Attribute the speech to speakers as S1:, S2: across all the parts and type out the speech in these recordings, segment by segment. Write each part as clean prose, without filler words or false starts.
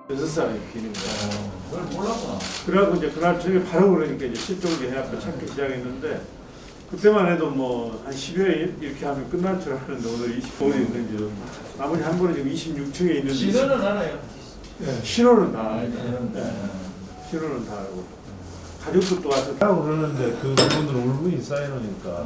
S1: 6살의 비인입니다.
S2: 그걸 몰랐구나.
S1: 그래갖고 이제 그날 저녁에 바로 그러니까 이제 실종을 해갖고 찾기 시작했는데 그때만 해도 뭐 한 10여일 이렇게 하면 끝날 줄 알았는데 오늘 25일이 있는지 나머지 한 분은 지금 26층에 있는데
S2: 신호는 알아요.
S1: 네, 신호는 다 알죠.
S2: 네.
S1: 신호는 다 알고 가족들도 와서
S3: 하고 그러는데 그 부분들은 울분이 쌓여놓으니까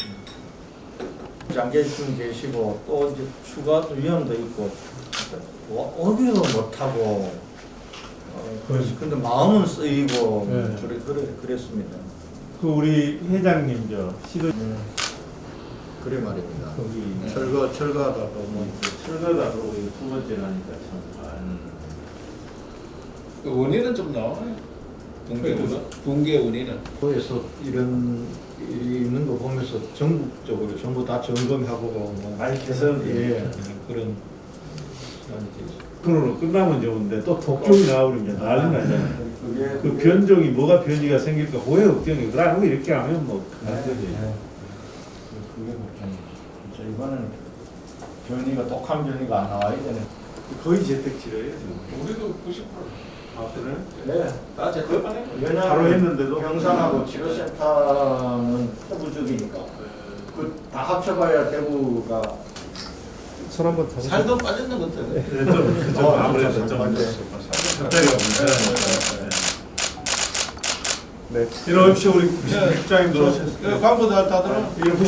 S4: 장계신 계시고 또 이제 추가 또 위험도 있고 오기도 못하고 근데 마음은 쓰이고
S3: 네.
S4: 그랬습니다.
S3: 그 우리 회장님 시도
S4: 그래 말입니다.
S3: 거기
S4: 철거하다가 뭐
S1: 철거다 그러고 이거 두 번째라니까 참.
S2: 그 원인은 좀 나와요. 붕괴 원인은.
S4: 거기서 이런 일이 있는 거 보면서 전국적으로 전부 다 점검하고 뭐
S1: 많이 개선.
S4: 예 그런
S1: 그걸로 끝나면 좋은데 또 독종이 나오면 이제 난리 나잖아요.
S4: 그게
S1: 그 변종이 뭐가 변이가 생길까 후회 걱정이 그러고 이렇게 하면 뭐 그런 거지.
S4: 그게 걱정이죠. 진짜 이번에는 변이가 독한 변이가 안 나와야 되네.
S1: 거의 재택치료예요 지금.
S2: 우리도 90%.
S1: 아 그래?
S4: 네.
S2: 다 제대로만 해.
S4: 왜냐하면
S1: 바로 했는데도
S4: 병상하고 치료센터는 대부적이니까 그 다 합쳐봐야 대구가
S3: 손 한번 더
S2: 살도 빠졌는 것 같아.
S1: 좀 아무래도 좀 갑자기 네. 이런 혹시 우리 국장님도
S2: 광고 다 들어.
S1: 이런